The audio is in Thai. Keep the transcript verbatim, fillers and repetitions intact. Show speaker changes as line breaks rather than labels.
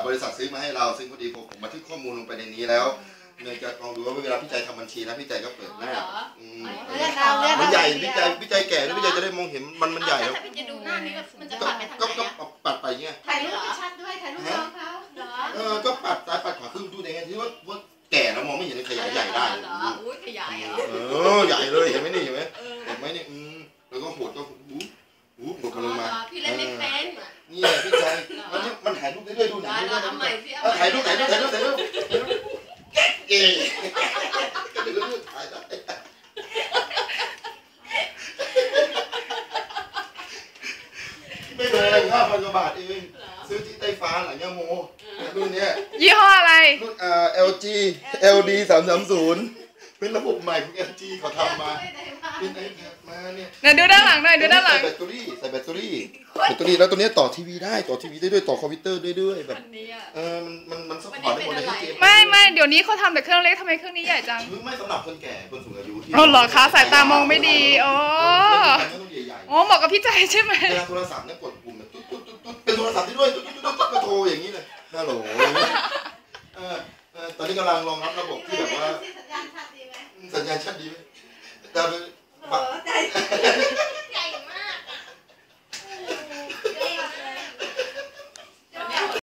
บริษัทซื้อมาให้เราซึ่งพอดีผมบันทึกข้อมูลลงไปในนี้แล้วเนื่องจากลองดูว่าเวลาพี่ใจทำบัญชีนะพี่ใจก็เปิดหน้ามันใหญ่พี่ใจพี่ใจแก่แล้วพี่ใจจะได้มองเห็นมันมันใหญ่แล้ว
ถ้าพี่จะดูหน้านี่มันจะปัดไปทางไหน
ก็ปัดไปเงี้ย
ถ่ายรูปชัดด้วยถ่ายรูปน้องเขาเหรอ
เออก็ปัดซ้ายปัดขวาขึ้นดูได้ไงที่ว่าว่าแก่แล้วมองไม่เห็นขยายใหญ่ได้
เหรออุ้ยขยายเหรอ
เออใหญ่เลยเห็นไหมนี่เห็นไหมเห็นไหมนี่อืมแล้วก็หดก็หูหูหดกันลงมา
พี่เล่นไม่เป็น
นี่พี่ใจมันมันถ่ายรูปได้ด้วยดูหนังได้ด้วย
เอาใหม่สิเอา
ถ่ายรูปถ่ายรูปถ่ายรูปถ่ายรูปเก๋ก็ดูรูปถ่ายได้ไม่แพงห้าพันกว่าบาทเองซื้อที่ไต้ฟ้าหลังย่าโมรุ่นนี้
ยี่ห้ออะไร
รุ่นอ่า แอล จี แอล ดี สามสามศูนย์เป็นระบบใหม่ของ แอล จี เขาทำมาเป็นไอแพดมาเนี่ย
ไหนดูด้านหลังหน่อยดูด้านหลัง
ใส่แบตเตอรี่ใส่แบตเตอรี่แบตเตอรี่แล้วตัวนี้ต่อทีวีได้ต่อทีวีได้ด้วยต่อคอมพิวเตอร์ได้ด้วยแบบเออมันมันมันซัพพอร์ตได้หมดเลยที่เกม
ไม่ไม่เดี๋ยวนี้เขาทำแต่เครื่องเล็กทำไมเครื่องนี้ใหญ่จัง
ไม่สำหรับคนแก่คนสูงอายุที่
อ๋อเหรอคะสายตามองไม่ดีอ๋ออ๋อเหมาะกับพี่ใจใช่ไหม
เวลาโทรศัพท์เนี่ยกดปุ่มแบบตุ๊ดตุ๊ดตุ๊ดตุ๊ดเป็นโทรศัพท์ที่ด้วยตุ๊ดตุ๊ดตุ๊ดตุ๊ดก็โทรอย่างนี้เลยฮัลโหลเออเออตอนนี้กำลังรองรับระบบที่แบบว่า
สัญญาณชัดดีไหม
สัญญาณชัดดีไหมแต่เป็น